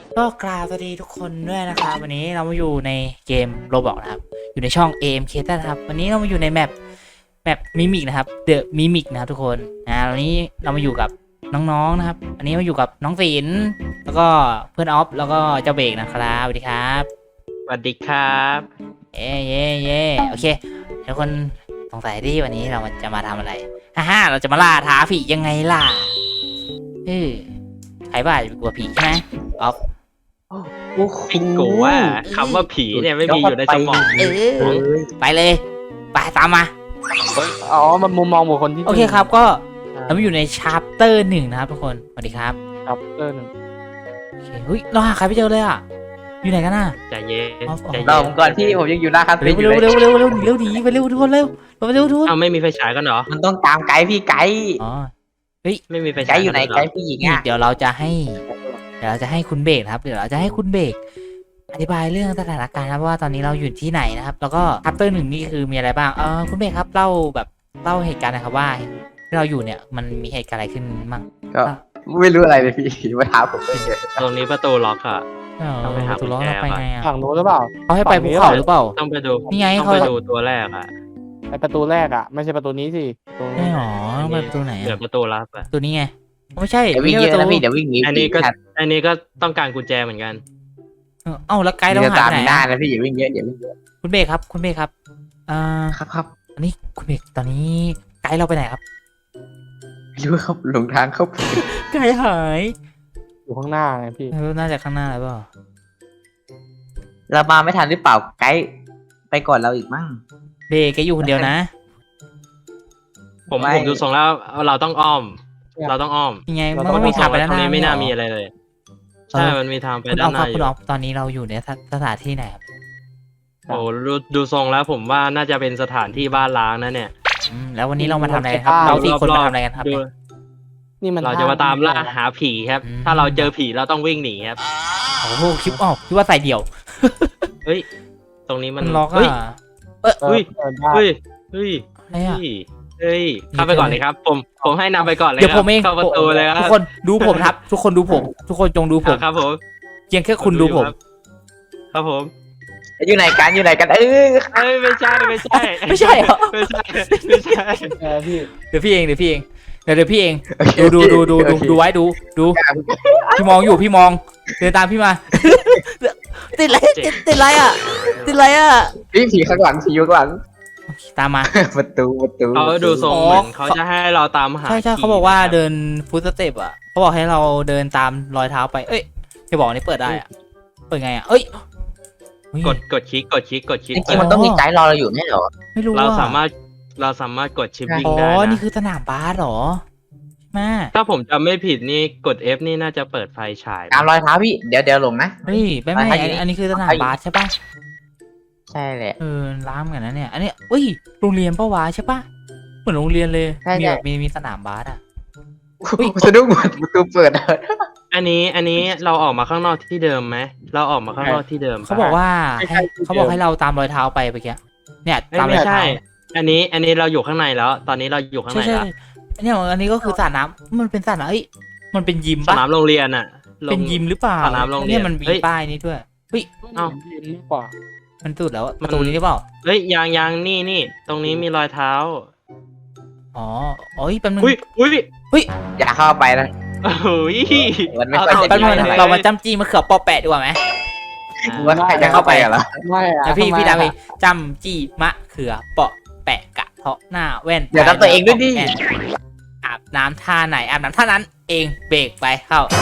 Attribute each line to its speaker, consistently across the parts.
Speaker 1: ก็กราบสวัสดีทุกคนด้วยนะครับวันนี้เรามาอยู่ในเกม Roblox นะครับอยู่ในช่อง AMK นะครับวันนี้เรามาอยู่ในแมปมิมิกนะครับ The Mimic นะครับทุกคนวันนี้เรามาอยู่กับน้องๆนะครับอันนี้มาอยู่กับน้องศิลป์แล้วก็เพื่อนออฟแล้วก็เจ้าเบรกนะครับสวัสดีครับ
Speaker 2: สวัสดีครับ
Speaker 1: เย่โอเคทุกคนสงสัยที่วันนี้เราจะมาทำอะไรเราจะมาล่าท้าผียังไงล่ะใครบ้าจะกลัวผีใช่ไหมออฟ
Speaker 2: ไอ้กูว่าคำว่าผีเนี่ยไม่มีอยู่ในสมอง
Speaker 1: ไปเลยไปตามมา
Speaker 3: อ๋อมันมุมมองบุคคลที่
Speaker 1: โอเคครับก็เราอยู่ในชาร์ปเตอร์1นะครับทุกคนสวัสดีครับ
Speaker 3: ชาร์ปเตอร์1
Speaker 1: โอเคเฮ้ยเราหาใครไม่เจอเลยอ่ะอยู่ไหนกันน่ะ
Speaker 2: ใจเย็น
Speaker 3: ใจเย็นก่อนที่ผมยังอยู่หน้าคาเฟ่
Speaker 1: เร็วดีไปเร็วทุกคนเร็วทุกคน
Speaker 2: เอาไม่มีไฟฉายกันเหรอ
Speaker 3: มันต้องตามไกด์พี่ไกด์
Speaker 1: อ๋อเฮ้ย
Speaker 2: ไม่มีไฟ
Speaker 3: ไก
Speaker 2: ฉาย
Speaker 3: ด์อยู่ไหนไกด์ผู้หญิงอ่ะ
Speaker 1: เดี๋ยวเราจะให้คุณเบรกครับเดี๋ยวเราจะให้คุณเบรกอธิบายเรื่องสถานการณ์ครับว่าตอนนี้เราอยู่ที่ไหนนะครับแล้วก็ชาร์ปเตอร์1นี่คือมีอะไรบ้างคุณเบรกครับเล่าเหตุการณ์นะครับว่าที่เราอยู่เนี่ยมันมีเหตุการณ์อะไรขึ้นมั่ง
Speaker 3: ก็ไม่รู้อะไรเลยพี่มาถามผมเลย
Speaker 2: ตรงนี้ประตูล็อกอะต้องไปหากุญแจ
Speaker 1: ไปไงอ่ะ
Speaker 3: ฝั่งนู้นหรือเปล่า
Speaker 1: เขาให้ไปภูเขาหรือเปล่า
Speaker 2: ต้องไปดู
Speaker 1: นี่ไง
Speaker 2: ต้องไปดูตัวแรกอะ
Speaker 3: ไอประตูแรกอ่ะไม่ใช่ประตูนี้สิ
Speaker 1: ไม่หรอต้องไปประตูไหน
Speaker 2: เดี๋ยวประตูลับอะ
Speaker 1: ตัวนี้ไงไม่ใช่
Speaker 3: เดี๋ยววิ่งเยอะนะพี่เดี๋ยววิ่งหนี
Speaker 2: อันนี้ก็ต้องการกุญแจเหมือนกัน
Speaker 1: แล้วไกด์เราหายไปไหน
Speaker 3: นะพี่อย่าวิ่งเยอะอย่าวิ่งเยอะ
Speaker 1: คุณเบรกครับ
Speaker 3: ครับ
Speaker 1: อันนี้คุณเบรกตอนนี้ไกด์เราไปไหนครับ
Speaker 3: ไม่รู้ครับหลงทางเข้าไป
Speaker 1: ไกด์หาย
Speaker 3: อยู่ข้างหน้าไงพี่
Speaker 1: น่าจะข้างหน้าหรือเปล่า
Speaker 3: เรามาไม่ทันหรือเปล่าไกด์ไปก่อนเราอีกมั้ง
Speaker 1: เบรกแกอยู่คนเดียวนะ
Speaker 2: ผมดูทรงแล้วเราต้องอ้อม
Speaker 1: ยังไงมันไม่มีทางไปด้านหน้า
Speaker 2: ไม่น่ามีอะไรเลยใช่มันมีทางไปด้านหน้าอยู่
Speaker 1: ตอนนี้เราอยู่ในสถานที่ไหนครับ
Speaker 2: โอ้ดูทรงแล้วผมว่าน่าจะเป็นสถานที่บ้านล้างนะเนี่ย
Speaker 1: แล้ววันนี้เรามาทำอะไรครับเรา4 คนมาทำอะไรกันครับ
Speaker 3: นี่มัน
Speaker 2: เราจะมาตามล่าหาผีครับถ้าเราเจอผีเราต้องวิ่งหนีครับ
Speaker 1: โอ้โหคลิปออกคิดว่าใส่เดี่ยว
Speaker 2: เฮ้ยตรงนี้มัน
Speaker 1: ล็อกอ่ะ
Speaker 2: เฮ้ย
Speaker 1: อะไรอ่ะ
Speaker 2: เข้าไปก่อนเลยครับผมให้นำไปก่อนเลย
Speaker 1: เดี๋ยวผมเอง
Speaker 2: เข้าประตูเลยครับ
Speaker 1: ทุกคนดูผมครับทุกคนดูผมทุกคนจงดูผม
Speaker 2: ครับผม
Speaker 1: เพียงแค่คุณดูผม
Speaker 2: ครับผม
Speaker 3: อยู่ไหนกัน
Speaker 2: ไม่ใช่
Speaker 1: เหรอไม่ใช่
Speaker 2: พี่
Speaker 1: เดี๋ยวพี่เองดูไว้ดูพี่มองอยู่พี่มองเดินตามพี่มาติดอะไรอ่ะ
Speaker 3: พี่ผีข้างหลังผีอยู่ข้างหลัง
Speaker 1: ตามมา
Speaker 3: ประตู
Speaker 2: เขาดูทรงเหมือนเขาจะให้เราตามหา
Speaker 1: ใช่เขาบอกว่าเดินฟุตสเต็ปอ่ะเขาบอกให้เราเดินตามรอยเท้าไปที่บอกนี่เปิดได้อ่ะเปิดไงอ่ะ
Speaker 2: กดคลิก
Speaker 3: จริงๆมันต้องมีไกด์รอเราอยู่ไม่หรอ
Speaker 1: ไม่รู้
Speaker 2: เราสามารถกดชิปวิ่งได้
Speaker 1: นี่คือสนามบาสหรอมา
Speaker 2: ถ้าผมจำไม่ผิดนี่กด F นี่น่าจะเปิดไฟฉาย
Speaker 3: ตามรอยเท้าพี่เดี๋ยวลงนะ
Speaker 1: ไม่อันนี้คือสนามบาสใช่ป่ะ
Speaker 3: ใช่แหละ
Speaker 1: ล้ามกันนะเนี่ยอันนี้โรงเรียนป้าวะใช่ป่ะเหมือนโรงเรียนเลยมีแบบมีสนามบาสอ่ะ
Speaker 3: สะดุ้งหมดประตูเปิด
Speaker 2: อันนี้เราออกมาข้างนอกที่เดิมไหมเราออกมาข้างนอกที่เดิม
Speaker 1: เขาบอกให้เราตามรอยเท้าไปเมื่อกี้เนี่ยตามรอยเท้า
Speaker 2: อันนี้เราอยู่ข้างในแล้วตอนนี้เราอยู่ข้างในแล้ว
Speaker 1: เนี่ยอันนี้ก็คือสระน้ำมันเป็นสระน้ำมันเป็นยิม
Speaker 2: ป่ะสนามโรงเรียนอ่ะ
Speaker 1: เป็นยิมหรือเปล่าเนี่ยมันมีป้ายนี้ด้วย
Speaker 3: ยิมกว่า
Speaker 1: มันสุดแล้วประตูนี้หรือเปล่า
Speaker 2: ยังนี่ตรงนี้มีรอยเท้า
Speaker 1: อ๋อแป๊บนึง
Speaker 3: อย่าเข้าไปนะ
Speaker 1: มันไม่ค่อยจะดีเรามาจ้ำจี้มะเขือปอแปะดีกว่าไหม
Speaker 3: ว่าใครจะเข้าไปเหรอ
Speaker 1: ไม่พี่ดาวิจ้ำจี้มะเขือปอแปะกะเทาะหน้าแว่น
Speaker 3: เดี๋ยวทำตัวเองด้วยดิ
Speaker 1: อาบน้ำท่าไหนอาบน้ำท่านั้นเองเบรกไปเข้า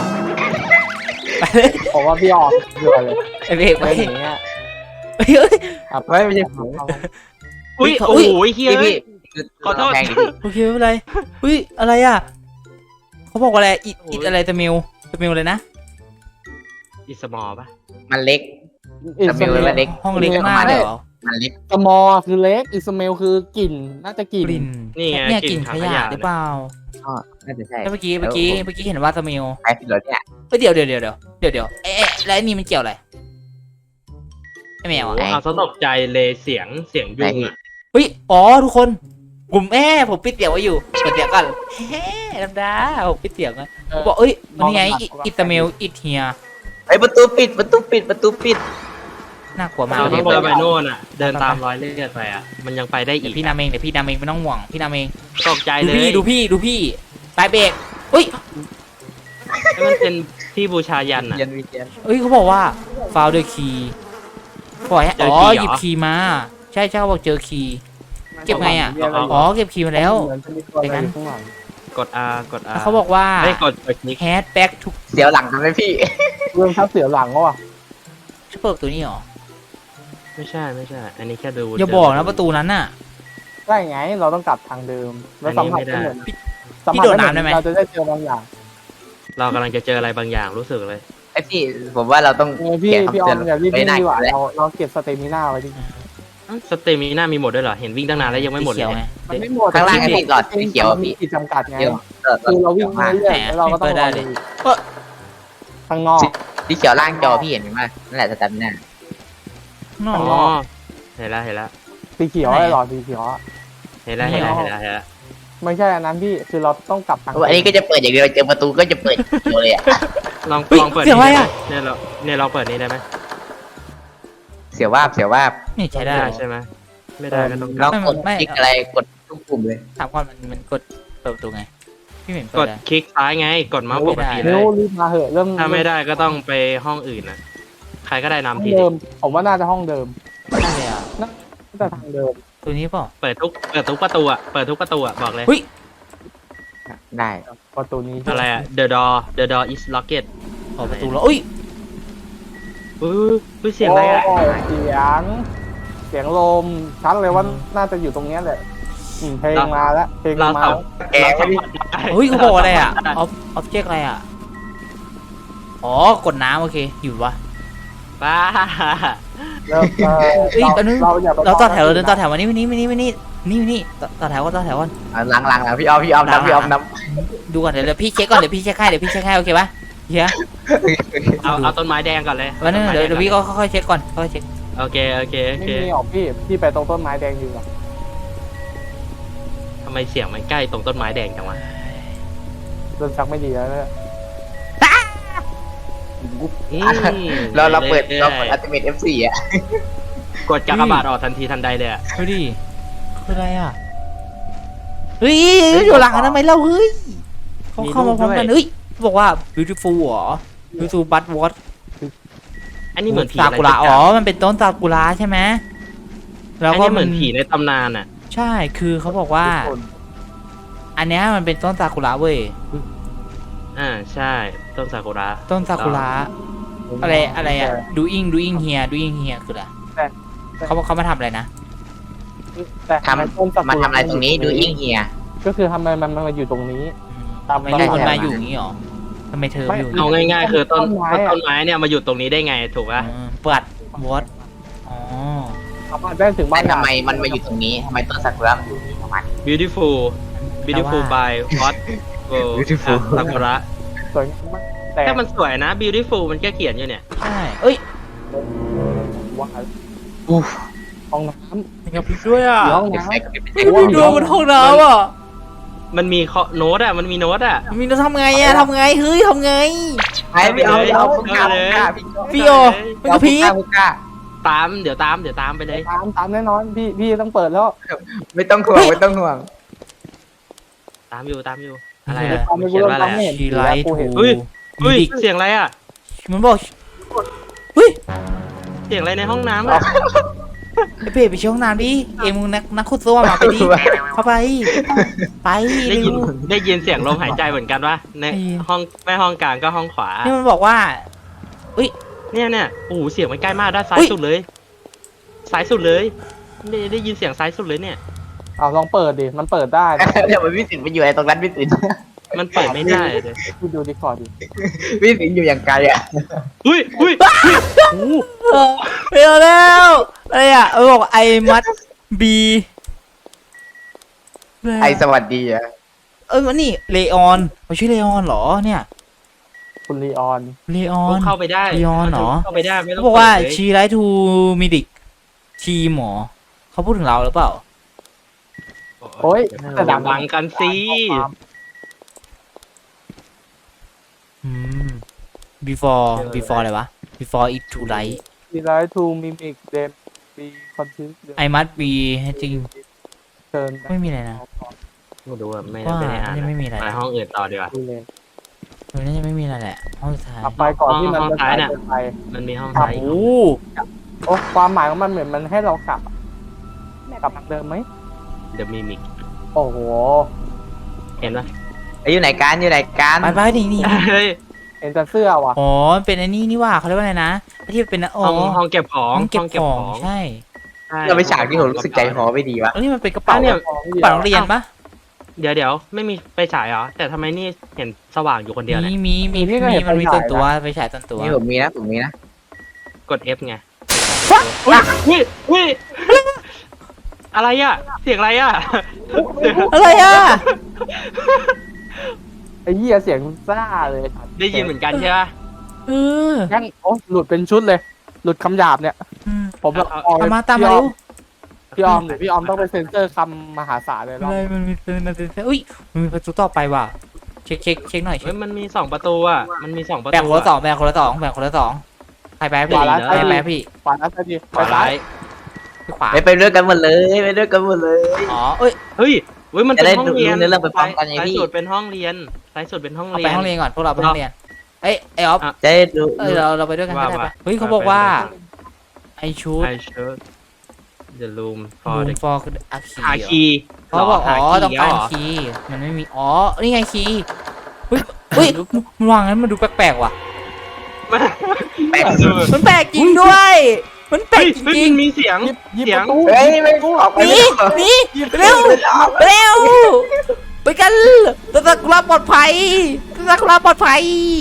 Speaker 3: ผมว่าพี่ออกเยอะเลย
Speaker 1: เบรกไป
Speaker 3: อย่างเงี้ยไม่ใช่ผม
Speaker 2: โอ้ยเฮียขอโทษ
Speaker 1: โอเคไม่เป็นไรอะไรอ่ะเขาบอกว่าอะไรอิดอะไรตะมิวเลยนะ
Speaker 2: อิสมอป่ะ
Speaker 3: มันเล็กตะมิวมันเล็ก
Speaker 1: ห้องเล็กมากเลยเหรอ
Speaker 3: มันเล็กสมอคือเล็กอิสเมลคือกลิ่นน่าจะกลิ่น
Speaker 1: เนี่ยกลิ่นขยะหรือเปล่า
Speaker 3: น่าจะใช่
Speaker 1: แล้วเมื่อกี้เห็นว่าตะมิว
Speaker 3: ไอ้ผิดเลยเนี่ย
Speaker 1: เดี๋ยวแล้วนี่มันเกี่ยวอะไรไม่แมวอ่ะ
Speaker 2: เอาซะตกใจเลยเสียงยุงอ่ะ
Speaker 1: ทุกคนผมปิดเสียงไว้อยู่เปิดเสียงก่อนธรรมดาผมปิดเสียงนะบอกนี่ไงอิตาเมลอิตเฮีย
Speaker 3: ไอ้ยประตูปิดประตูปิดประตูปิด
Speaker 1: น่ากลัวมาก
Speaker 2: เรา
Speaker 1: เล
Speaker 2: ต้
Speaker 1: ย
Speaker 2: องเดินไปโน่นอ่ะ เดินตามรอยเลือดไปอ่ะ มันยังไปได้อี
Speaker 1: เดี๋ยว
Speaker 2: ก
Speaker 1: พี่นำเองเดี๋ยวพี่นำเองไม่ต้องห่วงพี่นำเอง
Speaker 2: ตกใจ
Speaker 1: ดู
Speaker 2: เลย
Speaker 1: พี่ดูพี่ดูพี่ปลายเบรกเฮ้ย
Speaker 2: แล้วมันเป็นที่บูชายันอ่ะ
Speaker 3: เย็นวีเย็น
Speaker 1: เฮ้ยเขาบอกว่า found the key ปล่อยให้
Speaker 2: เจอ
Speaker 1: อ๋อ
Speaker 2: คีย์เหรอ
Speaker 1: หยิบคีย์มา ใช่ใช่เขาบอกเจอคีย์ เก็บไงอะ
Speaker 2: เอา
Speaker 1: อ๋อเก็บคีย์มาแล้ว
Speaker 4: เหมือนจะมีตัวอะไรอยู่ข้างหลัง
Speaker 2: กด R กด R
Speaker 1: เขาบอกว่า
Speaker 2: ไม่กดคลิก
Speaker 1: head back to
Speaker 3: เสียวหลังทำไหมพี่
Speaker 4: เรื่องทับเสียหลังก็ว่ะ
Speaker 1: จะเปิดตัวนี้เหรอ
Speaker 2: ไม่ใช่ไม่ใช่ อันนี้แค่ดู
Speaker 1: อย่าบอกนะประตูนั้นน่ะ
Speaker 4: ได้ไงเราต้องกลับทางเดิม แล้วสัมผัสไม่เหมือน
Speaker 1: พี่
Speaker 4: สัมผัส
Speaker 1: โดดน้ำได้ไหม
Speaker 4: เราจะได้เจอบางอย่าง
Speaker 2: เรากำลังจะเจออะไรบางอย่างรู้สึกเลย
Speaker 3: ไอ้พี่ผมว่าเราต้อง
Speaker 4: พี่
Speaker 3: เขียน
Speaker 4: พี่อ
Speaker 3: คำ
Speaker 4: อ
Speaker 3: เตือน
Speaker 4: มอย่ารีบ
Speaker 3: ไว้
Speaker 4: วิ่ง
Speaker 3: หน้า
Speaker 4: ดีกว่า
Speaker 3: แล้ว
Speaker 4: เราเก็บสเตมิน่าไว้ดิ
Speaker 2: สเตมิน่ามีหมดด้วยเหรอ เห็นวิ่งตั้งนานแล้วยังไม่หมดเล
Speaker 1: เขี
Speaker 2: ย
Speaker 1: ยวไง
Speaker 4: มันไม่หมด
Speaker 3: ข้างล่างไอ้พี่หลอดสีเขียวอะ
Speaker 4: มี
Speaker 3: พี่
Speaker 4: ขีดจำกัดไง
Speaker 3: เดี๋ยว
Speaker 4: คือเราวิ่ง
Speaker 3: มา
Speaker 4: เรื่อยๆแล้วเราก็ต้อง
Speaker 1: เปิดได้เลย
Speaker 4: ข้างนอก
Speaker 3: สีเขียวล่างจอพี่เห็นไหมนั่นแหละสแตมป์น่ะ
Speaker 1: นอก
Speaker 2: อ๋อ เห็นแล้วเห็นแล้ว
Speaker 4: สีเขียวไอ้หลอดสีเขียวอะ
Speaker 2: เห็นแล้วเห็นแล้วเห็นแล้วเห็นแล้ว
Speaker 4: ไม่ใช่อันนั้นพี่คือเราต้องกลับทาง
Speaker 3: อันนี้ก็จะเปิดอย่างเดียวเจอประตูก็จะเปิดเดียวเลยอะ
Speaker 2: ลอง
Speaker 1: เฮ้ย
Speaker 2: ลองเปิด
Speaker 1: เสียงอะไรอะ
Speaker 2: เนี่ยเราเปิดนี้ได้ไหม
Speaker 3: เสียวว่าบเสียวว่าบ
Speaker 1: นี่ใช้ได้
Speaker 2: ม่ใช่ไหมไม่ได้ก็ต้อง
Speaker 3: เรากด
Speaker 1: ไม่
Speaker 3: คลิกอะไรกดทุกปุ่มเลย
Speaker 1: ถามก่อนมันกดเปิดประตูไงพี่เหม็น
Speaker 2: ก
Speaker 1: เปิด
Speaker 2: ด
Speaker 1: ได้
Speaker 2: คลิกซ้ายไง กดเมาส์ปกติเล
Speaker 4: เร็
Speaker 2: ยว
Speaker 4: รีบมาเหอะเรื่อง
Speaker 2: ถ้าไม่ได้ก็ต้องไปห้องอื่นนะใครก็ได้
Speaker 4: ห้อง
Speaker 2: นำที
Speaker 4: เดิมผมว่าน่าจะห้องเดิม
Speaker 1: ได้เลยอ่ะ
Speaker 4: น่าจะทางเดิม
Speaker 1: ตัวนี้เปล่า
Speaker 2: เปิดทุกประตูอ่ะเปิดทุกประตูอ่ะบอกเลย
Speaker 1: เฮ้ย
Speaker 3: ได้
Speaker 4: ประตูนี้
Speaker 2: อะไรอ่ะ the door is locked
Speaker 1: ออกประตูแล้วอุ้ย
Speaker 2: อุ้ยเสียงอะไรอ่ะ
Speaker 4: โเสียงลมชัดเลยว่าน่าจะอยู่ตรงเนี้ยแหละเพลงมาแล้วเพลง
Speaker 2: เรา
Speaker 4: มา
Speaker 2: สัม
Speaker 3: แก
Speaker 2: เรา
Speaker 3: ก็
Speaker 2: สัม
Speaker 3: พี่
Speaker 2: ผัสได้
Speaker 1: เฮ้ยเขาบอกอะไรอ่ะออฟเจกอะไรอ่ะอ๋อกดน้ำโอเคอยู่วะ
Speaker 2: บ้า
Speaker 4: แล้ว
Speaker 1: เฮ้ยอันนี้
Speaker 4: เราอย่าไป
Speaker 1: เราต่อแถวเราเดินต่อแถววันนี้นี่ต่อแถวก่อน
Speaker 3: หลังๆพี่ออมพี่ออมนำพี่ออมน
Speaker 1: ดูก่อนเดี๋ยวพี่เช็คก่อนเดี๋ยวพี่เช็คให้โอเคปะเฮีย
Speaker 2: เอาต้นไม้แดงก่อนเลย
Speaker 1: วันนึงเดี๋ยวพี่ก็ค่อยๆเช็คก่อนค่อยๆเช็ค
Speaker 2: โอเค
Speaker 4: ไม่มีออกพี่ไปตรงต้นไม้แดงอยู่อะ
Speaker 2: ทำไมเสียงมันใกล้ตรงต้นไม้แดงจังวะ
Speaker 4: เริ่มชักไม่ดีแล้วเนี่ย
Speaker 3: ำเราเปิดอัลติเมท F4 อ่ะ
Speaker 2: กดกากบาทออกทันทีทันใดเลยอ่ะ
Speaker 1: ดูดิคืออะไรอ่ะเฮ้ยอยู่หลังกันทำไมเล่าเฮ้ยเขาเข้ามาพร้อมกันเฮ้ยบอกว่า beautiful เหรอ beautiful but what
Speaker 2: อันนี้เหมือนผี
Speaker 1: ซา
Speaker 2: อะไร
Speaker 1: กุระอ๋อมันเป็นต้นซากุระใช่ไหมแล้
Speaker 2: แล้ว ว
Speaker 1: ก็
Speaker 2: ก็เหมือนผีในตำนานอ่ะ
Speaker 1: ใช่คือเขาบอกว่า อันเนี้ยมันเป็นต้นซากุระเว้ย
Speaker 2: ใช่ต้นซากุระ
Speaker 1: ต้นซากุระอะไรอ่ะ doing here คืออะไรเขามาทำอะไรนะ
Speaker 4: แต่
Speaker 3: ทำ
Speaker 4: ต้นซากุ
Speaker 3: มาทำอะไรตรงนี้ดูอิงเฮีย
Speaker 4: ก็คือทำไมมันมาอยู่ตรงนี้ ตาม
Speaker 1: ทำไมมีคน
Speaker 3: ใช่
Speaker 1: มาอยู่อย่างนี้หรอทำไมเธอ
Speaker 4: ไม่
Speaker 1: อยู่
Speaker 2: เอาง่ายๆ คือต้น
Speaker 4: ต้นไม้อะ
Speaker 2: ต้นไม้เนี่ยมาอยู่ตรงนี้ได้ไงถูกป่ะ
Speaker 1: เปิดวอตอ๋อ
Speaker 4: สามารถได้ถึงบ้า
Speaker 3: ไม่
Speaker 4: น
Speaker 3: ทำไมมันมาอยู่ตรงนี้ทำไมต้นซากุระมันอยู่นี่ประมาณ
Speaker 2: beautiful
Speaker 1: แต่ว่า
Speaker 2: by what
Speaker 3: Beautiful
Speaker 2: ซากุระ
Speaker 4: สวยมากแต่
Speaker 2: แต่มันสวยนะ beautiful มันแค่เขียนอยู่เนี่ย
Speaker 1: ใช่เอ้ย
Speaker 4: ว่า
Speaker 3: อู้
Speaker 4: ห้องน้
Speaker 1: มีกระพริบด้วยอ่ะ
Speaker 4: ำห้อง
Speaker 3: เด็ก
Speaker 4: น้
Speaker 3: ใส่กับเป็น
Speaker 1: มีกระพริบด้วยบนห้องน้ำอ่ะ
Speaker 2: มันมีโน้ตอ่ะ มันมีโน้ตอ่ะ
Speaker 1: มีเราทำไงอ่ะทำไงเฮ้ยทำไง
Speaker 3: ไอ้พี่เอาเอาพุก้า
Speaker 1: พี่โอมันกระพริบ
Speaker 3: พุก้า
Speaker 2: เดี๋ยวตามไปเลย
Speaker 4: ตามแน่นอนพี่ต้องเปิดแล้ว
Speaker 3: ไม่ต้องห่วงไม่ต้องห่วง
Speaker 2: ตามอยู่อะไร
Speaker 1: เออ
Speaker 2: อะ
Speaker 4: ตามไม่
Speaker 2: เขียนว่าอะไร
Speaker 4: ไม่
Speaker 2: อะ
Speaker 4: เห็น
Speaker 1: ชีไลท์
Speaker 4: กูเห็น
Speaker 1: ทู
Speaker 2: เฮ้ย
Speaker 1: มิดิก
Speaker 2: เสียงอะไรอ่ะ
Speaker 1: มันบอกเฮ้ย
Speaker 2: เสียงอะไรในห้องน้ำอ่ะ
Speaker 1: ไอ้เป้ไปเช่ห้องน้ำดิเอ็มนักขุดซ่วมมาไปดิเข้าไปไป
Speaker 2: ได้
Speaker 1: เร็
Speaker 2: ยิน
Speaker 1: ว
Speaker 2: ได้ยินเสียงลมหายใจเหมือนกันวะใน
Speaker 1: ได้ยิน
Speaker 2: ห้องแม่ห้องกลางก็ห้องขวา
Speaker 1: นี่มันบอกว่า
Speaker 2: เนี่ยโอ้โหเสียงมันใกล้มากด้านซ้า
Speaker 1: อุ๊
Speaker 2: ย
Speaker 1: ย
Speaker 2: สุดเลยซ้ายสุดเลยได้ยินเสียงซ้ายสุดเลยเนี่ย
Speaker 4: เอาลองเปิดดิมันเปิดได้นะ
Speaker 3: เดี๋ยวมันวิสิตไปอยู่ไอ้ตรงนั้นวิสิต
Speaker 2: มันเปิดไม่ได้เลย
Speaker 4: พี่ดูดิคอร์ดดิ
Speaker 3: วิสิตอยู่อย่างไกลอ่ะ
Speaker 2: อุ้ย
Speaker 1: ไปเอาแล้วอะไรอ่ะบอกไอมัดบี
Speaker 3: ไอสวัสดีอ่ะ
Speaker 1: มันนี่เลออนเขาชื่อเลออนเหรอเนี่ย
Speaker 4: คุณลีออน
Speaker 1: เลออน
Speaker 2: เข้าไปได้
Speaker 1: ย้อนเหรอ
Speaker 2: เข้าไปได้ไม่ต้อ
Speaker 1: เขา
Speaker 2: ง
Speaker 1: บอกว่า
Speaker 2: เปิดเลย
Speaker 1: ชีไรทูมิดิกทีมหมอเขาพูดถึงเราหรือเปล่า
Speaker 4: โอ้ย
Speaker 2: แต่ดังวังกันสิ
Speaker 1: อืม before อะไรวะ before it to light
Speaker 4: มีไลท์ทูมิมิกเดมมีคอนทิว
Speaker 1: I must be จริง
Speaker 4: เชิญ
Speaker 1: ไม่มีอะไรนะ
Speaker 2: ไม่รู้อะไม่
Speaker 1: ว่า
Speaker 2: ได้อ่าน
Speaker 1: ยังไม่มีอะไร
Speaker 2: ไปห้องอื่นต่อดีกว่า
Speaker 4: ดูเลย
Speaker 1: น่าจะไม่มีอะไรแหละห้องสุดท้าย
Speaker 4: กลับไปก่อนที่มัน
Speaker 2: ห้อง
Speaker 4: จะ
Speaker 2: ท้ายน่ะ
Speaker 4: เกินไป
Speaker 2: มันมีห้อง
Speaker 4: ครับ
Speaker 2: ท้ายอีก
Speaker 1: โอ้
Speaker 4: โอ้ความหมายของมันเหมือนมันให้เรากลับกลับทางเดิมไหม
Speaker 2: เดอะมิมิก
Speaker 4: โอ้โห
Speaker 2: เห็นปะ
Speaker 3: อยู่ไหนกันอยู่ไหนกัน
Speaker 1: ไปนี่
Speaker 2: เฮ้ย
Speaker 4: เห็นแต่เสื้อว่ะ
Speaker 1: อ๋อเป็นไอ้นี่ว่าเขาเรียกว่าอะไรนะไอ้ที่เป็นอ๋อ
Speaker 2: ห้องเก็บของ
Speaker 1: ห้องเก็บของใช่
Speaker 2: ใช่
Speaker 3: เราไปฉากที่ผมรู้สึกใจคอไม่ดีวะ
Speaker 1: แล้วนี่มันเป็นกระเป๋า
Speaker 2: เนี่ย
Speaker 4: ของ
Speaker 1: กระเป๋าโรงเรียนปะ
Speaker 2: เดี๋ยวไม่มีไฟฉายเหรอแต่ทำไมนี่เห็นสว่างอยู่คนเดียวเนี่ย
Speaker 1: มีมันมีต้นตัวไปฉายต้นตัว
Speaker 3: นี่ผมมีนะผมมีนะ
Speaker 2: กด F ไงอุ้ยอะไรอ่ะเสียงอะไรอ่ะ
Speaker 1: อะไรอ่ะ
Speaker 4: ไอ้เหี้ยเสียงซ่าเลย
Speaker 2: ได้ยินเหมือนกันใช่ปะ
Speaker 1: เออ
Speaker 4: งั้นโอ้หลุดเป็นชุดเลย หลุดคำหยาบเนี่ย ผมแบบ
Speaker 2: เอา
Speaker 4: ออก
Speaker 1: ตามมาตามมาเร็ว
Speaker 4: พี่ออมเดี๋ยวพี่ออมต้องไปเซ็นเซอร์คำมหาศาลเลย
Speaker 1: อะไรมันมีอุ้ยมันมีประตูต่อไปว่ะเช็คหน่อย
Speaker 2: เฮ้ยมันมี2 ประตูอ่ะมันมี2 ประตู
Speaker 1: แบ่งคนละสองใครไปพี่ใครไปพี่
Speaker 4: ขวาแล้วจะดี
Speaker 2: ข
Speaker 4: ไป
Speaker 2: วา
Speaker 4: ซ้า
Speaker 2: ซ้าย ย
Speaker 1: พี่ขวา
Speaker 3: ไปด้วยกันหมดเลยไปด้วยกันหมดเลย
Speaker 1: อ๋อเอ้ย
Speaker 2: เฮ้ยมันเป็นห้องเรียน
Speaker 3: จะได้ดูเรื่องไปพร้อมกันไงพี่
Speaker 2: ซ้ายสุดเป็นห้องเรียนซ้ายสุดเป็นห้อง
Speaker 1: เอา
Speaker 2: เรี
Speaker 1: ไป
Speaker 2: ยน
Speaker 1: ห้องเรียนก่อนพวกเราไปห้องเรียนเอ้ยไอออฟ
Speaker 3: จะได้ดู
Speaker 1: เราไปด้วยกันได้ปะเฮ้ยเขาบอกว่าไอชูด
Speaker 2: I showed the room for
Speaker 1: รูม
Speaker 2: the
Speaker 1: ฟอร์คืออาคี
Speaker 2: หาคีย์
Speaker 1: เขาบอกอ๋อ
Speaker 2: ห
Speaker 1: ต้องการ
Speaker 2: เหร
Speaker 1: คีย์มันไม่มีอ๋อนี่ไงคีย์เฮ้ยมันวางงั้นมันดูแปลกๆว่ะ
Speaker 3: แปลก
Speaker 1: มันแปลกจริงด้วย มันแปล
Speaker 2: เฮ้
Speaker 1: ก
Speaker 2: ย
Speaker 1: จริง
Speaker 2: มีเสียง
Speaker 4: หยิบ
Speaker 2: เสี
Speaker 4: ป
Speaker 2: ยง
Speaker 4: ระตู
Speaker 3: เฮ้ยไม่ออกไป
Speaker 1: ๆนี่นี่เร็วเร็วไปกันตะตะกุลาปลอดภัยตะตะกุลาปลอดภัย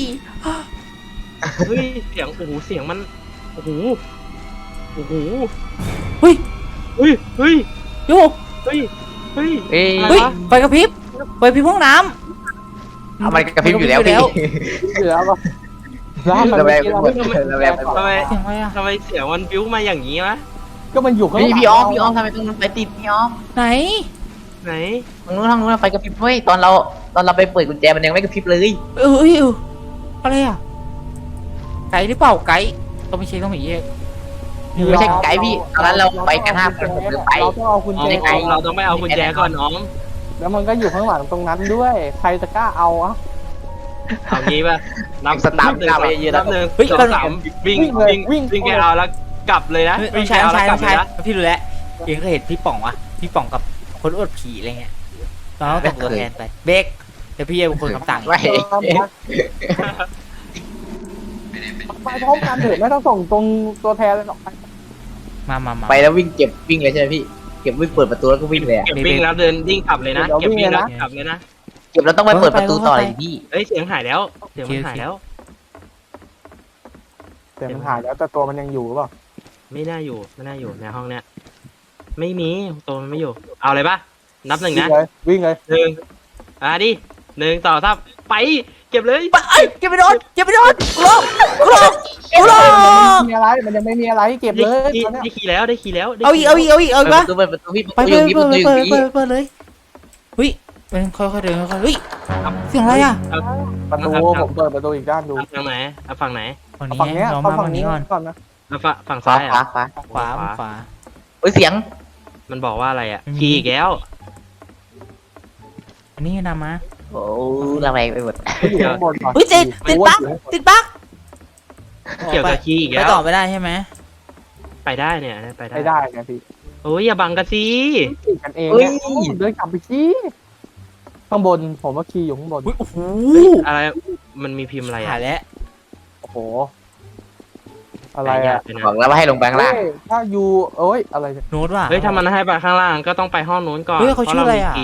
Speaker 2: เฮ้ยเสียงโอ้โหเสียงมันโอ้โห
Speaker 1: เฮ้ย
Speaker 2: เฮ้ยเฮ้ย
Speaker 1: โย
Speaker 2: เฮ้ยเฮ้ย
Speaker 3: เฮ้ย
Speaker 2: อะไร
Speaker 1: เฮ้ยว
Speaker 2: ะ
Speaker 1: ไฟกระพริบไฟกระพริบห้องน้ำ
Speaker 3: เอามันกระพริบอยู่แล้วพี่
Speaker 4: เหลือป่ะร้านมัน
Speaker 3: ระแวง
Speaker 4: เมื่อกี้เรา
Speaker 3: ไป
Speaker 4: ไม่
Speaker 3: หมดระแวงไปหมด
Speaker 2: ทำไม
Speaker 1: เสียงอะไรอ่ะ
Speaker 2: ทำไมเสียงมันบิ้วมาอย่างนี้วะ
Speaker 4: ก็มันอยู่ข้างหลัง
Speaker 3: พี่ออมทำไมตรงนั้นไฟติดพี่ออม
Speaker 1: ไหน
Speaker 2: ไหน
Speaker 3: ทางนู้นไฟกระพริบเว้ยตอนเราไปเปิดกุญแจมันยังไม่กระพริบเลย
Speaker 1: เอ้ยอะไรอ่ะไก่หรือเปล่าไก่ต้องไปเช็คต้องไปเช็ค
Speaker 3: ไม่ใช่ไกด์พี่ตอนนั้นเราไปกัน5 คนผมเลยไป
Speaker 4: เราต้องเอากุญ
Speaker 2: อ๋อ
Speaker 4: แจ
Speaker 3: ไกล
Speaker 2: เราต้องไปเอากุญแจก่อนน้อง
Speaker 4: แล้วมันก็อยู่ข้างหลังตรงนั้นด้วย ใครจะกล้าเอาอ่ะ
Speaker 2: เอางี้ป่ะนับ
Speaker 3: สตาร์ท
Speaker 2: หนึ่ง
Speaker 3: ก้าวไปเยอะๆ
Speaker 2: นับหนึ่ง
Speaker 1: เฮ้ย
Speaker 2: สองสามวิ่งไปเอาแล้วกลับเลยนะ
Speaker 1: ไม่ใช่ไม่ใช่
Speaker 2: วิ่
Speaker 1: ไม่
Speaker 2: ง
Speaker 1: ใช่
Speaker 2: ไปเอาแล้วกลับเลยนะ
Speaker 1: พี่รู้แล้วเองเคยเห็นพี่ป๋องวะพี่ป๋องกับคนอวดผีอะไรเงี้ยเราต้องส่งตัวแทนไปเบกเดี๋ยวพี่จะเป็นคนคำสั่ง
Speaker 3: ไม่
Speaker 4: ไปพร้อมกันเถอะไม่ต้องส่งตรงตัวแทนเลยหรอก
Speaker 1: มา
Speaker 3: ไปแล้ววิ่งเก็บวิ่งเลยใช่ไหมพี่เก็บวิ่งเปิดประตูแล้วก็วิ่งเลยอะ
Speaker 2: เก็บวิ่งแล้วเดินวิ่งกลับเลยนะเก็บวิ่งแล้วกลับเลยนะ
Speaker 3: เก็บแล้วต้องไปเปิดประตูต่อเลยพี่
Speaker 2: เอ้ยเสียงหายแล้วเสียงมันหายแล้ว
Speaker 4: แต่มันหายแล้วแต่ตัวมันยังอยู่หรือเปล่า
Speaker 2: ไม่น่าอยู่ในห้องเนี้ยไม่มีตัวมันไม่อยู่ เอาเลยปะนับหนึ่งนะ
Speaker 4: วิ่งเลย
Speaker 2: หนึ่งดิ1 2 3ไปเก็บเลย
Speaker 1: ไปเก็บไปโดนกลบ
Speaker 4: มันยังไม่มีอะไรมันยังไม่มีอะไรเก็บเลย
Speaker 2: ได้ขี่แล้วได้ขี่แล้ว
Speaker 1: เอาอีกปะ
Speaker 3: เปิดประตูพี่
Speaker 1: ไป
Speaker 3: ประตูอยู่พี่ประตูอยู่พี่
Speaker 1: เปิดเลยเฮ้ยเป็นค่อยๆเดินค่อยๆเฮ้ยเสียงอะไรอ่ะ
Speaker 4: ประตูผมเปิดประตูอีกด้านดู
Speaker 2: ฝั่งไหนฝั่งไหน
Speaker 1: ฝั่งนี้
Speaker 4: ฝั่งเนี้ย
Speaker 1: เรา
Speaker 4: เข้า
Speaker 1: มา
Speaker 4: ฝั่
Speaker 1: ฝั่
Speaker 4: ง
Speaker 1: ง
Speaker 4: นี้
Speaker 1: นี้ก่อน
Speaker 4: ก่อนนะ
Speaker 2: ฝั่ง
Speaker 3: ฟ้า
Speaker 2: ซ้าย
Speaker 3: ฟ้า
Speaker 2: อ่ะ
Speaker 3: ฟ้า
Speaker 1: ขวา
Speaker 3: เฮ้ยเสียง
Speaker 2: มันบอกว่าอะไรอ่ะขี่อีกแล้ว
Speaker 1: อันนี้นำมา
Speaker 3: โอ้ระแวงไปหมด
Speaker 4: อยู่ข้างบนก่อน
Speaker 1: เฮ้ยติดบั๊ก
Speaker 2: เกี่ยวกับขี่อีก
Speaker 1: ไป
Speaker 2: แล้ว
Speaker 1: ต่อไม่ได้ใช่ไหม
Speaker 2: ไปได้เนี่ยไป
Speaker 4: ไม่ได้ไงพี่
Speaker 2: โอ้ยอย่าบังกันสิ
Speaker 4: ขี่กันเองเนี่ยเดินกลับไปขี่ข้างบนผมว่าขี่อยู่ข้างบน
Speaker 1: โอ้โห
Speaker 2: อะไรมันมีพิมพ์อะไร
Speaker 1: หา
Speaker 2: อ่ะ
Speaker 1: ยแล้ว
Speaker 4: โอ้โหอะไรอ่ะ
Speaker 3: บอกแล้วว่าให้ลงแบงค์ล่าง
Speaker 4: ถ้าอยู่เอ้ยอะไร
Speaker 1: โน้ตว่ะ
Speaker 2: เฮ้ยถ้ามันให้ไปข้างล่างก็ต้องไปห้องนู้นก่อน
Speaker 1: เฮ้ยเขาชื่ออะไรอ่ะ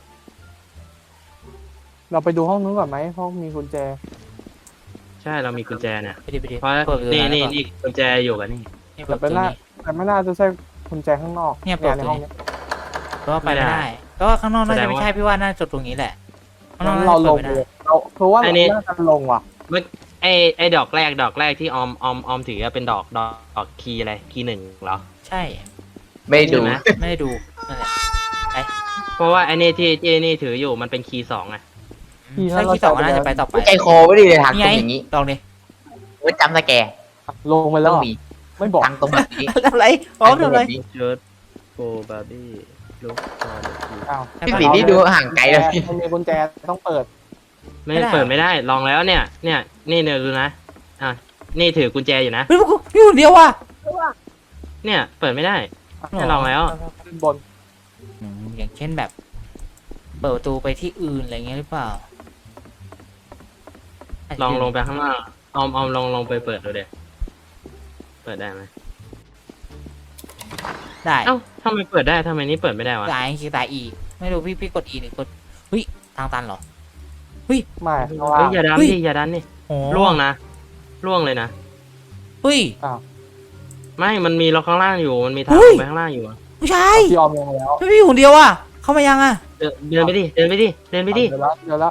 Speaker 4: เราไปดูห้องนู้นก่อนไหมห้องมีกุญแจ
Speaker 2: ใช่เรามีกุญแจเนี่ย
Speaker 1: ไปดิ
Speaker 2: เพราะนี่กุญแจอยู่กันนี่
Speaker 1: นี่เปิดประตูนี้
Speaker 4: แต่ไม่น่าจะใช่กุญแจข้างนอก
Speaker 1: เนี่ยเปิด
Speaker 4: ใน
Speaker 1: ตัว
Speaker 4: ห้อง
Speaker 1: นี้
Speaker 4: นี้
Speaker 1: ก็ไปไม่ได้ก็ข้างนอกน่าจะไม่ใช่พี่ว่าน่าจะจบตรงนี้แหละข้างนอก
Speaker 4: เรา
Speaker 1: น่าจะ
Speaker 4: ล
Speaker 1: เปิด
Speaker 4: ง
Speaker 1: ไม่
Speaker 4: เล
Speaker 1: ได้
Speaker 4: ยเราเพราะว่าเราน่าจะลงว่ะ
Speaker 2: ไอ้ดอกแรกที่ออมถือเป็นดอกคีย์อะไรคีย์ 1เหรอ
Speaker 1: ใช่
Speaker 3: ไม่ดู
Speaker 2: ใช่ไหม
Speaker 1: ไม่ได้ดูนั่นแหละ
Speaker 2: เพราะว่าไอ้นี่ที่นี่ถืออยู่มันเป็นคีย์ 2อ่ะ
Speaker 1: ใช่ที่สองน่าจะไปต่อไป
Speaker 3: ใจคอไม่ดีเลยทางตรงอย่างนี้
Speaker 1: ลองดิ
Speaker 3: โอ้ยจำสแกร์
Speaker 4: ลงไปแล้
Speaker 3: ต้
Speaker 4: ว
Speaker 3: อง
Speaker 4: เหรอ
Speaker 3: มี
Speaker 4: ไม่บอก
Speaker 3: ทางตรงแบบนี้
Speaker 1: ทำไรพร้อมทำไร
Speaker 2: เชิร์ตโกบาร์บี้ลูกบาร์บี้
Speaker 4: อ้าว
Speaker 3: พี่สีนี่ดูห่างไกลเลย
Speaker 4: มันมีกุญแจต้องเปิด
Speaker 2: ไม่เปิดไม่ได้ลองแล้วเนี่ยนี่เนี่ยดูนะอ่ะนี่ถือกุญแจอยู่นะ
Speaker 1: เฮ้ยพวกกูอยู่คนเดียวว่ะ
Speaker 2: เนี่ยเปิดไม่ได้ ให้ลองแล้ว
Speaker 4: ขึ้นบน
Speaker 1: อย่างเช่นแบบ เปิดประตูไปที่อื่นอะไรเงี้ยหรือเปล่า
Speaker 2: ลองลงไปข้างล่างออมลองไปเปิดดูเด็เปิดได้ไหม
Speaker 1: ได้
Speaker 2: เอ้าทำไมเปิดได้ทำไมนี่เปิดไม่ได้วะ
Speaker 1: ตายคือตายอีกไม่รู้พี่กดอีหรือกดเฮ้ยทางตันเหรอ
Speaker 4: ไม่ข้างล่า
Speaker 2: เฮ้ย
Speaker 4: ง
Speaker 2: อย่าดัน
Speaker 1: เฮ้ย
Speaker 2: ดิอย่าดันดิ
Speaker 1: โอ้
Speaker 2: ล่วงนะล่วงเลยนะ
Speaker 1: เฮ้ย
Speaker 2: ไม่มันมีล็อกข้างล่างอยู่มันมีทาง
Speaker 1: เฮ้ย
Speaker 2: ลงไปข้างล่างอยู่อะ
Speaker 1: ผู้ชาย
Speaker 4: พี่ออมลงแล้ว
Speaker 1: ไม่พี่อยู่คนเดียวอ่ะเข้ามายังอ่ะ
Speaker 2: เดินไปดิเดินไปดิเดินไปดิ
Speaker 4: เดี๋ยวแล้ว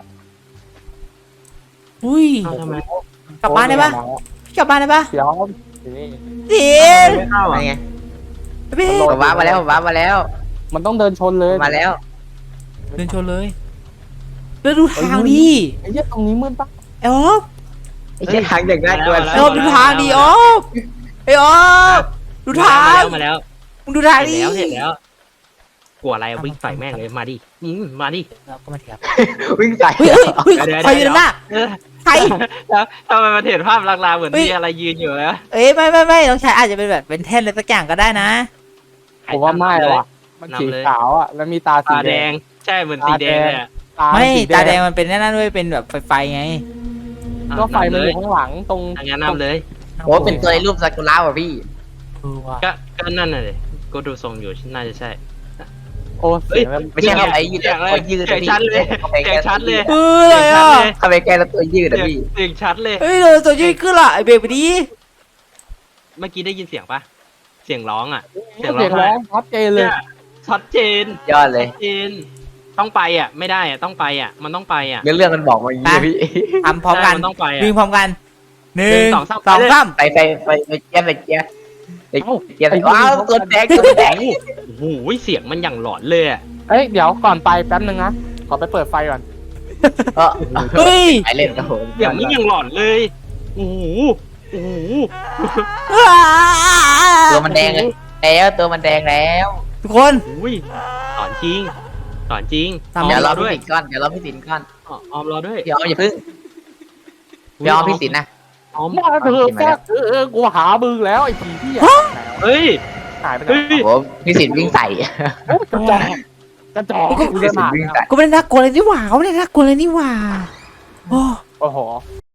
Speaker 1: อุ้ย
Speaker 2: เอ้าทำไม
Speaker 1: กลับบ้านได้ปะพี่กลับบ้านได้ปะ
Speaker 4: เดี๋ยวนี่
Speaker 1: เดี๋ยว
Speaker 2: ไม่เข้า
Speaker 3: อะไร
Speaker 2: อ่ะ
Speaker 3: ไง
Speaker 1: พี่
Speaker 3: ผมว้าร์ปมาแล้วผมว้าร์ปมาแล้ว
Speaker 4: มันต้องเดินชนเลย
Speaker 3: มาแล้ว
Speaker 1: เดินชนเลยแล้วดูทางดิ
Speaker 4: ไอ้เหี้ยตรงนี้มืดปะ
Speaker 1: ไอ้ออฟ
Speaker 3: ไอ้เชี่ยทางเด็กน่ากลัว
Speaker 1: ไอ้ออฟดูทางดิออฟไอ้ออฟดูทาง
Speaker 2: มาแล้ว
Speaker 1: มึงดูทาง
Speaker 2: เห็น
Speaker 1: ดิ
Speaker 2: แล้วเห็นแล้ว กลัวอะไรอะวิ่งใส่แม่งเลยมาดิมาดิ
Speaker 1: เราก็มาเถียง
Speaker 3: วิ่งใส่
Speaker 1: เฮ้ยเฮ้ย
Speaker 2: เดี๋ยว
Speaker 1: ใครอยู่ด้านหน้า
Speaker 2: เออ
Speaker 1: ใคร
Speaker 2: แล้วทำไมมันเห็นภาพลางๆเหมือน
Speaker 1: เฮ้ย
Speaker 2: มีอะไรยืนอยู่นะ
Speaker 1: เอ้ยไม่น้องชายอาจจะเป็นแบบเป็นแท่นอะไรสักอย่างก็ได้นะ
Speaker 4: ผมว่าไม่หรอกมันสีขาวอ่ะแล้วมีตาสี
Speaker 2: ตา
Speaker 4: แด
Speaker 2: แด
Speaker 4: ง
Speaker 2: งใช่เหมือนสีแดงเลยอะ
Speaker 1: ไม่
Speaker 4: สี
Speaker 1: ตาแดงมันเป็นนั่นด้วยเป็นแบบไฟไง
Speaker 4: ก็ไฟมัน
Speaker 2: เล
Speaker 4: อย ยู่ข้างหลังตรง
Speaker 2: ทางนั้นนำเลย
Speaker 3: โอ้เป็นตัวในรูปซากุระว่ะพี่
Speaker 1: เออว่ะ
Speaker 2: ก็นั่นน่ะเลยก็ดูทรงอยู่น่าจะใช่
Speaker 4: โอ้เสียงมัน
Speaker 3: ไม่ใช่เข้าไปยืด
Speaker 2: เสียงเลย
Speaker 3: ตัวยืด
Speaker 2: เสียงชัดเลย เสียงชัดเลย
Speaker 1: เอออะไรอ่ะ
Speaker 3: เข้าไปแก้แล้วตัวยืดอะพี่
Speaker 2: เสียงชัดเลย
Speaker 1: เฮ้ยเราตัวยืดขึ้นละไอเบรกไปดิ
Speaker 2: เมื่อกี้ได้ยินเสียงปะเสียงร้องอ่ะ
Speaker 4: เสียงร้องชัดเจนเลย
Speaker 2: เนี่ยชัดเจน
Speaker 3: ยอดเลย
Speaker 2: ชัดเจนต้องไปอ่ะ ไม่ได้อ่ะต้องไปอ่ะ มันต้องไปอ่ะ
Speaker 3: เรื่องมันบอกมาอย่างนี้เลยพี่
Speaker 1: ทำพร้อมกัน
Speaker 2: ใช่มันต้องไปอ่ะ
Speaker 1: วิ่งพร้อมกันหนึ่ง
Speaker 2: สองสาม
Speaker 1: สองสาม
Speaker 3: ไปเจี๊ยบเจี๊ยบว้าวตัวแดงตัวแดง
Speaker 2: โอ้โหเสียงมันอย่างหลอนเลยอ่ะ
Speaker 4: เอ้ยเดี๋ยวก่อนไปแป๊บนึงนะขอไปเปิดไฟก่อน
Speaker 1: เฮ้ย
Speaker 3: ไปเล่นกับผม
Speaker 2: เสียงมันอย่างหลอนเลยโอ้โหโอ้โห
Speaker 3: ตัวมันแดงเลยแล้วตัวมันแดงแล้ว
Speaker 1: ทุกคน
Speaker 2: อุ้ยสอนจริงสอนจริง
Speaker 1: ทำ
Speaker 3: เดี๋ยวรอ
Speaker 2: ด้วย
Speaker 3: พี่สินก้อนเดี๋ยวรอพี่สินก้อน
Speaker 2: ออมรอด้วย
Speaker 3: เดี๋ยวอย่าพึ่งเดี๋ยวพี่สินนะ
Speaker 2: ออม
Speaker 4: มาเถอะแฟกกูหามึงแล้วไอ้ผีที่
Speaker 2: เฮ้ย
Speaker 4: หายไปไหน
Speaker 2: เฮ้ย
Speaker 3: โอ้พี่สินวิ่งใส่
Speaker 4: โอ้กระจอกกระจอก
Speaker 3: พี่สินวิ่งใส่
Speaker 1: ก็ไม่ได้น่ากลัวเลยนี่หว่าก็ไม่ได้น่ากลัวเลยนี่หว่าโอ้
Speaker 4: โอ้โห